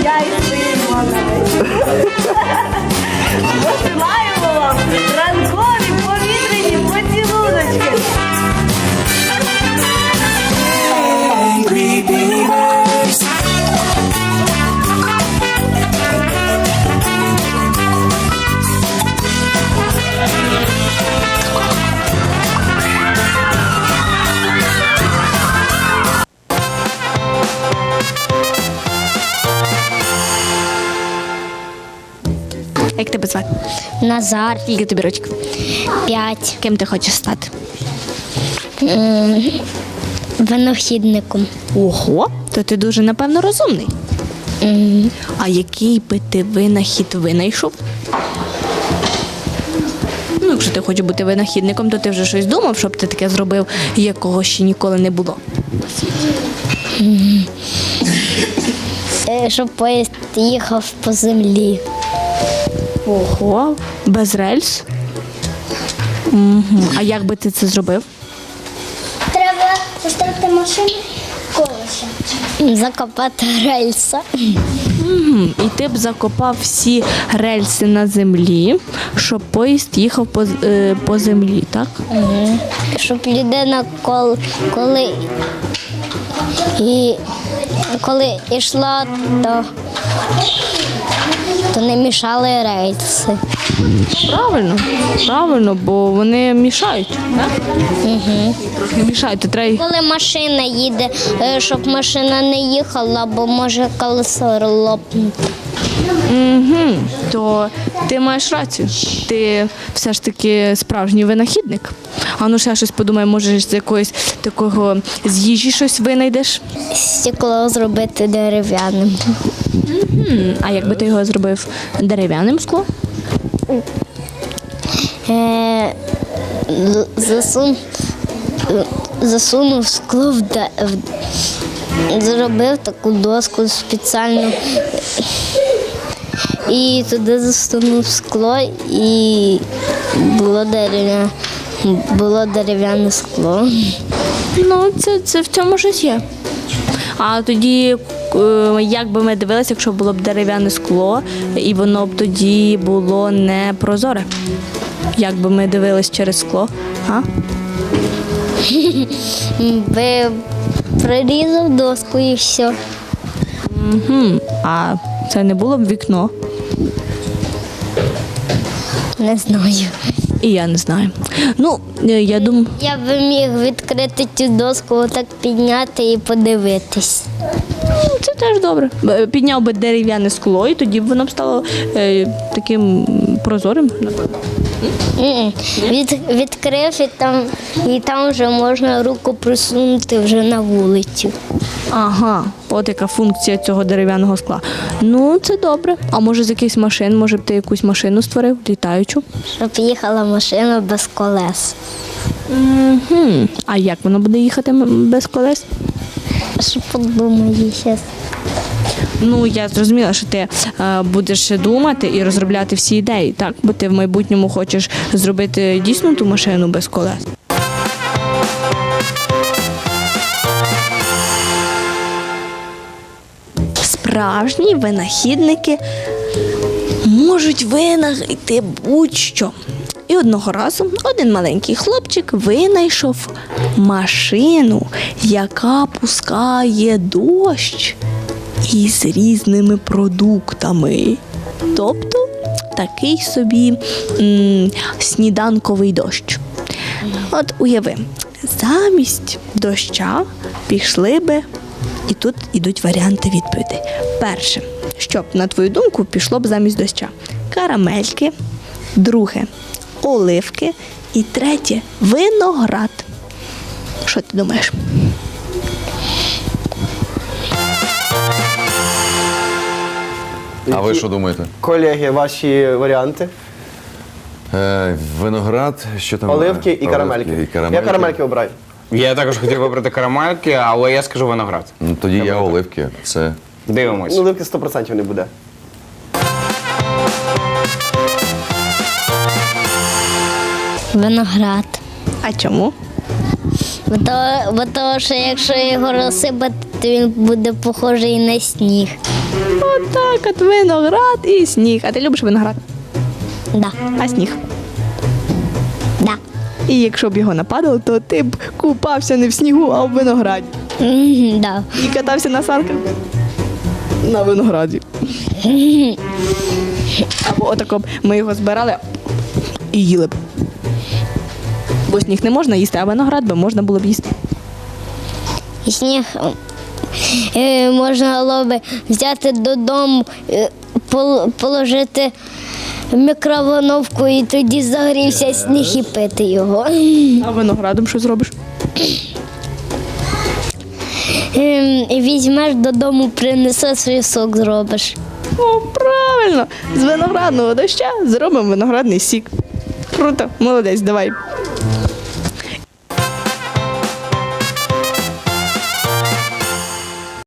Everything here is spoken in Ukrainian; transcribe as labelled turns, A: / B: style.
A: я і Симона. Посилаємо вам ранкові повітряні поцілуночки.
B: Як тебе звати?
C: Назар,
B: Скільки тобі років?
C: 5,
B: Ким ти хочеш стати?
C: винахідником.
B: Ого, то ти дуже, напевно, розумний. А який би ти винахід винайшов? Ну, якщо ти хочеш бути винахідником, то ти вже щось думав, щоб ти таке зробив, якого ще ніколи не було.
C: Щоб поїзд їхав по землі.
B: Ого, без рельс? Угу. А як би ти це зробив?
C: Треба зустріти машину колеса. Закопати рельса.
B: І ти б закопав всі рельси на землі, щоб поїзд їхав по землі, так?
C: Щоб людина, коли йшла, то не мішали рельси.
B: Правильно, бо вони мішають, так? Трохи мішають, то треба їх...
C: Коли машина їде, щоб машина не їхала, бо може колесо лопнути.
B: То ти маєш рацію. Ти все ж таки справжній винахідник. А ну ще щось подумай, може з якогось такого з їжі щось винайдеш?
C: Стекло зробити дерев'яним.
B: А як би ти його зробив дерев'яним склом?
C: Засунув скло зробив таку доску спеціальну і туди засунув скло і було дерев'яне скло.
B: Ну, це в цьому щось є. А тоді, як би ми дивилися, якщо було б дерев'яне скло, і воно б тоді було не прозоре? Як би ми дивились через скло? А?
C: Би прорізав доску і все.
B: А це не було б вікно?
C: Не знаю.
B: І я не знаю. Ну, я думаю...
C: Я би міг відкрити цю доску, отак підняти і подивитись.
B: Це теж добре. Підняв би дерев'яне скло, і тоді б воно б стало таким прозорим, напевно.
C: Відкрив і там вже можна руку присунути вже на вулицю.
B: Ага, от яка функція цього дерев'яного скла. Ну, це добре. А може з якихось машин, може б ти якусь машину створив, літаючу?
C: Щоб їхала машина без колес.
B: А як воно буде їхати без колес?
C: Що подумаю зараз.
B: Ну, я зрозуміла, що ти будеш думати і розробляти всі ідеї, так? Бо ти в майбутньому хочеш зробити дійсно ту машину без колес. Справжні винахідники можуть винайти будь-що. І одного разу один маленький хлопчик винайшов машину, яка пускає дощ із різними продуктами. Тобто такий собі сніданковий дощ. От уяви, замість доща пішли би, і тут ідуть варіанти відповідей. Перше, що б, на твою думку, пішло б замість доща? Карамельки. Друге – оливки. І третє – виноград. Що ти думаєш?
D: А ви що думаєте?
E: Колеги, ваші варіанти?
D: Виноград, що там?
E: Оливки і карамельки. Я карамельки обираю.
F: Я також хотів вибрати карамельки, але я скажу виноград.
D: Ну, тоді я оливки. Все.
F: Дивимось.
E: Ну, оливки 100% не буде.
C: Виноград.
B: А чому?
C: Бо того, що якщо його розсипати, то він буде похожий на сніг.
B: Отак от виноград і сніг. А ти любиш виноград?
C: Да.
B: А сніг?
C: Да.
B: І якщо б його нападало, то ти б купався не в снігу, а в винограді.
C: Да.
B: І катався на санках на винограді. Або отако б ми його збирали і їли б. Бо сніг не можна їсти, а виноград би можна було б їсти.
C: І сніг можна було би взяти додому, положити в мікроволновку і тоді загрівся сніг і пити його.
B: А виноградом що зробиш?
C: Візьмеш додому, принесеш і сок зробиш.
B: О, правильно! З виноградного доща зробимо виноградний сік. Круто, молодець, давай.